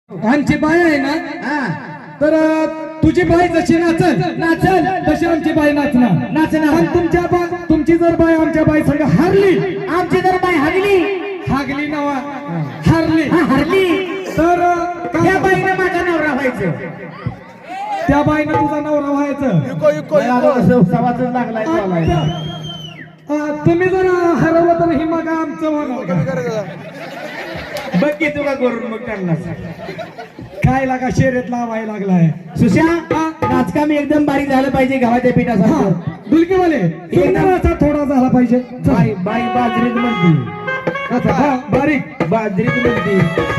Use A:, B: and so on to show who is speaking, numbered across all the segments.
A: आमची बाई आहे ना तर तुझी बाई जशी नाचल नाचल तशी आमची बाई नाचणार नाचणार. पण तुमची जर बाई आमच्या बाई संग हारली,
B: आमची जर बाई हागली
A: हागली नवा हारली
B: हारली
A: तर
B: त्या बाईनं माझा नवरा व्हायचं.
A: त्या बाईनं तुझा नवरा व्हायचं.
B: लागलाय
A: तुम्ही जर हरवलं तर ही मग आमचं होणार.
B: बघ की तुला करून मग त्यांना
A: काय लागा शर्यत लावायला लागलाय.
B: सुश्या नाचकाम एकदम बारीक झालं पाहिजे गव्हाच्या पिठासारखं.
A: डुलकीवाले एकदम थोडा झाला पाहिजे.
B: बाई बाई बाजरीत म्हणती
A: बारीक
B: बाजरीत म्हणती.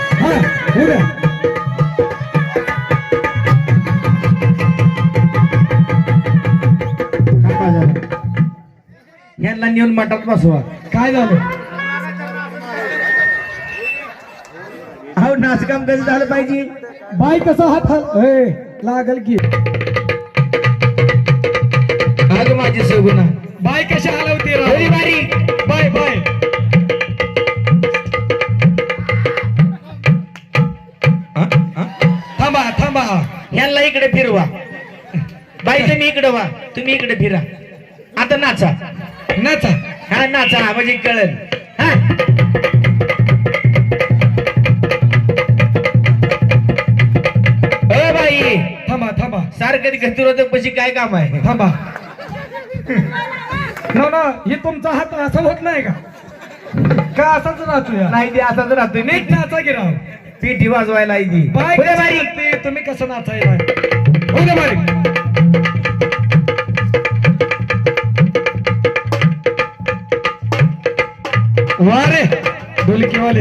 B: यांना नेऊन मठात बसवा.
A: काय झालं.
B: अहो नाचकाम कसं झालं पाहिजे.
A: बाई कसा हात लागल की
B: अग माझी सगुना
A: बाई कशी हलवते
B: थोडी बारीक.
A: बाय बाय थांबा थांबा.
B: यांना इकडे फिरवा. बाई तुम्ही इकडे वा, तुम्ही इकडे फिरा. आता नाचा
A: नाचा.
B: हा नाचा म्हणजे कळल. हा बाई
A: थांबा थांबा
B: सारखं गतिरोधक पशी काय काम आहे.
A: थांबा. ना ना हे तुमचा हात असा होत नाही का का असाच राहतो या.
B: नाही ते असाच राहतोय
A: नीट
B: नीट
A: नाचा की राव.
B: पिठी वाजवायला इथे
A: बाई
B: पुढे
A: कशी
B: बारीक.
A: लागते, तुम्ही कसं नाचायला हो दे बारीक. वारे डोलकीवाले.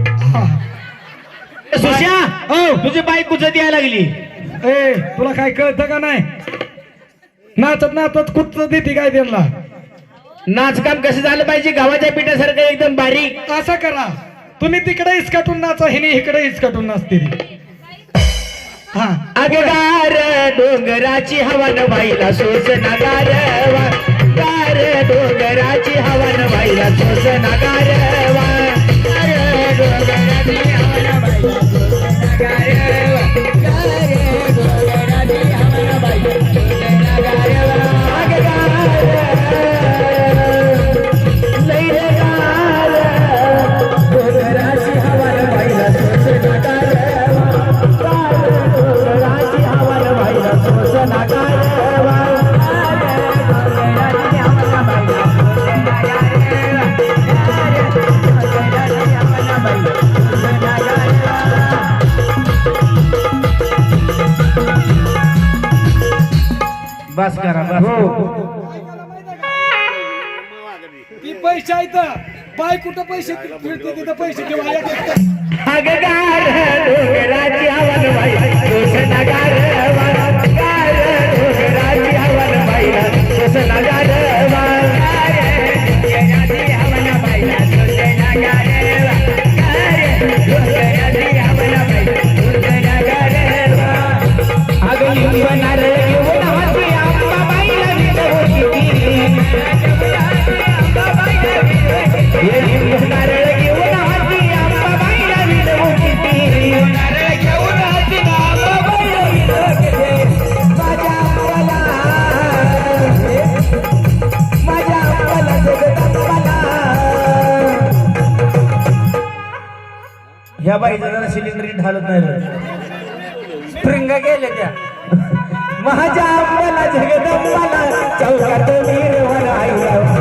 B: सुश्या तुझी बाई कुचत यायला लागली.
A: ए तुला काय कळतं का नाही. नाचत नाचत कुठच देते काय त्यांना.
B: नाचकाम कसं झालं पाहिजे गव्हाच्या पिठासारखं एकदम बारीक.
A: असं करा तुम्ही तिकडे इसकाटून नाचा हिने इकडे इसकाटून नाचते ती. हा
B: अगगार डोंगराची हवन व्हायला सोस नगारवा. गार डोंगराची हवन व्हायला सोस नगारवा. डोंगराची हवन व्हायला सोस नगारवा. गार डोंगराची हवन व्हायला सोस नगारवा. अगगार लैरगार डोंगराची हवन व्हायला सोस नगारवा. डोंगराची हवन व्हायला सोस नगारवा. बस करा बस.
A: ती पैसे आहेत बाय कुठं पैसे फिरते तिथं पैसे ठेवा.
B: अगगार डोंगराची हवन व्हायला सोस नगारवा. गार डोंगराची हवन व्हायला सोस नगारवा. डोंगराची हवन व्हायला सोस नगारवा. डोंगराची हवन व्हायला सोस नगारवा. अगं लिंब नारळ घेऊन हाती अंबाबाईला विनवती. लिंब नारळ घेऊन हाती अंबाबाईला विनवती. नारळ घेऊन हाती अंबाबाईला विनवती. माझ्या अंबाला जगदंबाला. ह्या बाईचा जरा सिलेंडर ढालत नाही. स्प्रिंग गेले त्या. माझ्या अंबाला जगदंबाला चौकात वीरवर आईला.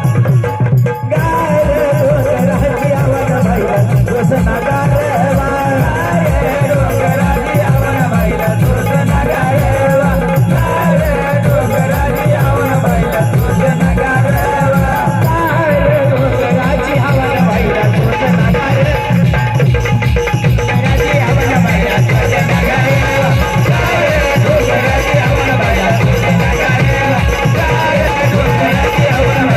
B: गार डोंगराची हवन व्हायला सोस नगारवा. डोंगराची हवन व्हायला सोस नगारवा. डोंगराची हवन व्हायला सोस नगारवा. डोंगराची हवन व्हायला सोस नगारवा. डोंगराची हवन व्हायला सोस नगारवा. डोंगराची हवन व्हायला सोस नगारवा. डोंगराची हवन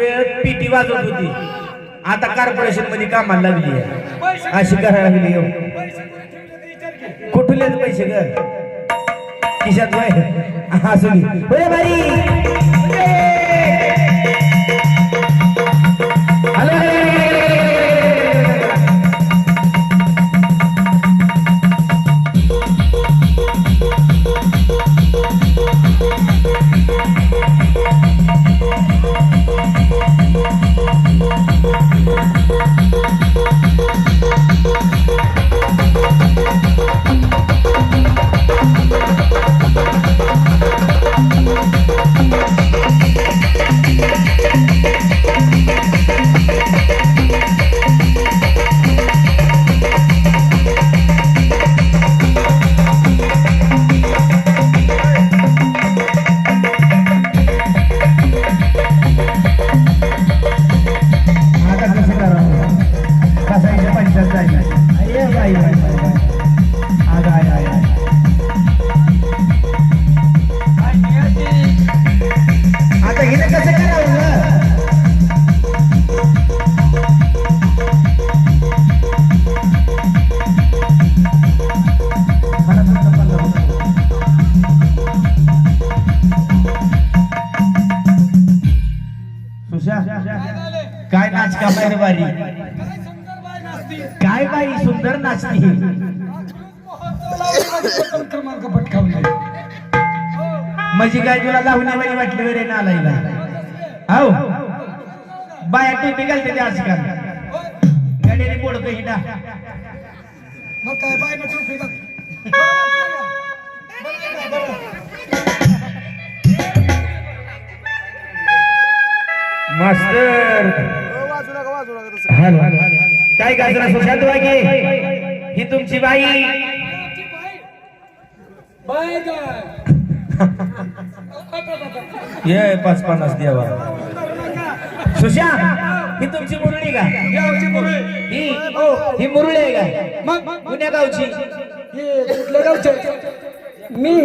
B: वेळेत पिटी वाजवत होती, आता कॉर्पोरेशन मध्ये कामाला लागली आहे, अशी करायला लागली हो. कुठले पैसे ग खिशात वय असू दे बाई. काय नाच का बाहेर बारी, काय बाई सुंदर नाचती.
A: क्रमांक पटकावला
B: म्हणजे काय तुला लावण्यावाली वाटली वगैरे नालायला. हो बाया टिपी घालते ते आजकाल, गाडीने बोडतो हिंडा.
A: मग काय बाय ना टोपी बघ.
B: मास्टर हॅलो काय गाजरा सुशांत वागे ही तुमची बाई. ये 5-50 द्यावा. सुशांत ही तुमची मुरळी का? ही मुरळी आहे का? मग कुण्या गावची?
A: कुठल्या गावचे? मी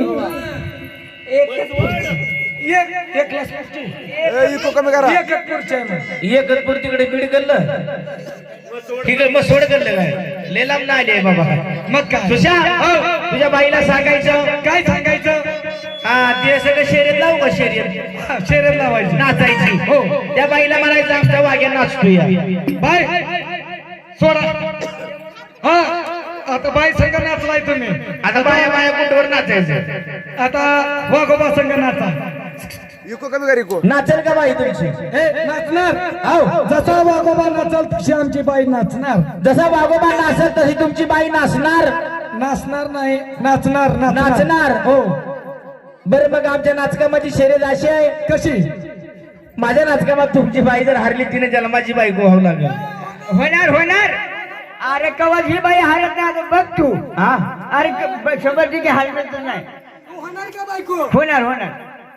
B: एकतपूर तिकडे बीड करलं तिकडे मग सोड करलं काय लेलाम ना आले बाबा. मग काय सुशांत तुझ्या बाईला सांगायचं.
A: काय सांगायचं?
B: हा ते सगळं शर्यत लावू का? शर्यत
A: लावायची
B: नाचायची. हो त्या बाईला म्हणायचं आमच्या वाग्या नाचतोय.
A: बाय सोडा. हा आता बाई संघ नाचलाय तुम्ही,
B: आता बाया बाया कुठवर नाचायचं.
A: आता वाघोबा संघ नाचा.
B: नाचेल का बाई तुमची?
A: नाचणार. जसा वाघोबा नाचल तशी आमची बाई नाचणार.
B: जसा वाघोबा नाचल तशी तुमची बाई नाचणार.
A: नाचणार नाही, नाचणार.
B: नाचणार.
A: हो.
B: बरं मग आमच्या नाचकामाची शर्यत अशी आहे.
A: कशी?
B: माझ्या नाचकामात तुमची बाई जर हारली तिने जन्माची बाई गोहावं लागेल.
C: होणार. अरे कवा ही बाई हारत नाही आता बघ तू.
B: हा
C: अरे 100% हारत नाही.
A: होणार का बायको?
C: होणार.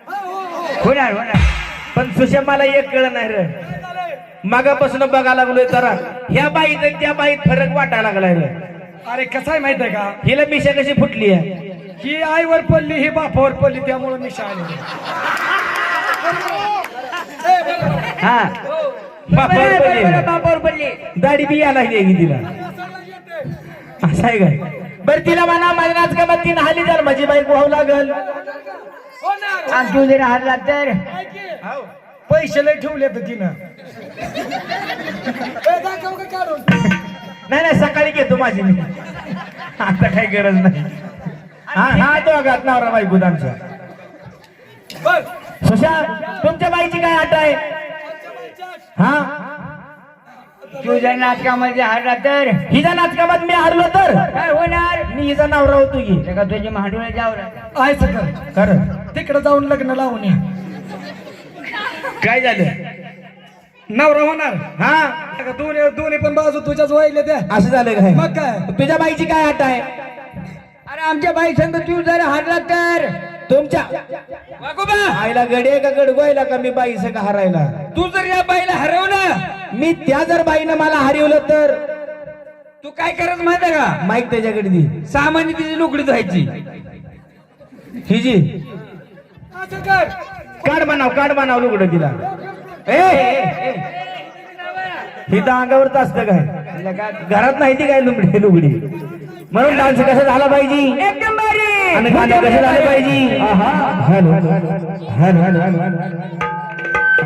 B: पण सुशा मला एक कळ नाही रे. मागापासून बघायला लागलोय जरा ह्या बाईत आणि त्या बाईत फरक वाटायला लागलाय रे.
A: अरे कसं आहे माहित आहे का?
B: हिला मिशा कशी फुटली आहे?
A: ही आईवर पडली, ही बापावर पडली, त्यामुळे मिशा आली.
B: हा
C: बापावर पडली.
B: दाढी बी यायला लागली तिला. असं आहे काय? बरं तिला म्हणा माझ्या नाचकामात तीन हाली जर माझी बाई गोहावं लागल.
C: आणि तू जर हारला तर
A: पैसे लय ठेवले तर तिनं.
B: नाही सकाळी घेतो माझी मी, आता काही गरज नाही. हा तो आघात नवरा बायको आमचा. सुशांत तुमच्या बाईची काय आट आहे? हा
C: तुझ्या नाटकामध्ये हारला तर
B: हिच्या नाटकामात मी हारलो तर
C: काय होणार?
B: मी हिचा नवरा होतो की
C: का तुझ्या महाडूला जावं
A: आहे सगळं
B: खरं.
A: तिकडे जाऊन लग्न लावून या.
B: काय झालं?
A: नवरा होणार.
B: हा
A: दोन्ही पण बाजू तुझ्याच वाहिल्या त्या.
B: असं झालं काय?
A: मग काय?
B: तुझ्या बाईची काय आट आहे?
C: अरे आमच्या बाई संग तू जर हारला तर
B: तुमच्या आईला गडे का गडगोयला का मी बाई सगळं हारायला?
C: तू जर या बाईला हरवलं,
B: मी त्या जर बाईनं मला हरवलं तर
C: तू काय करत माहिती का?
B: माईक त्याच्याकडे दे.
C: सामान्य तिची लुकडी धुवायची.
B: हिजी काढ बनाव लुगडं तिला. ही तर अंगावरच असतं काय घरात नाही ती काय लुगडी म्हणून डान्स कसं झाला पाहिजे
C: एकदम भारी
B: आणि गाणं कसं झालं पाहिजे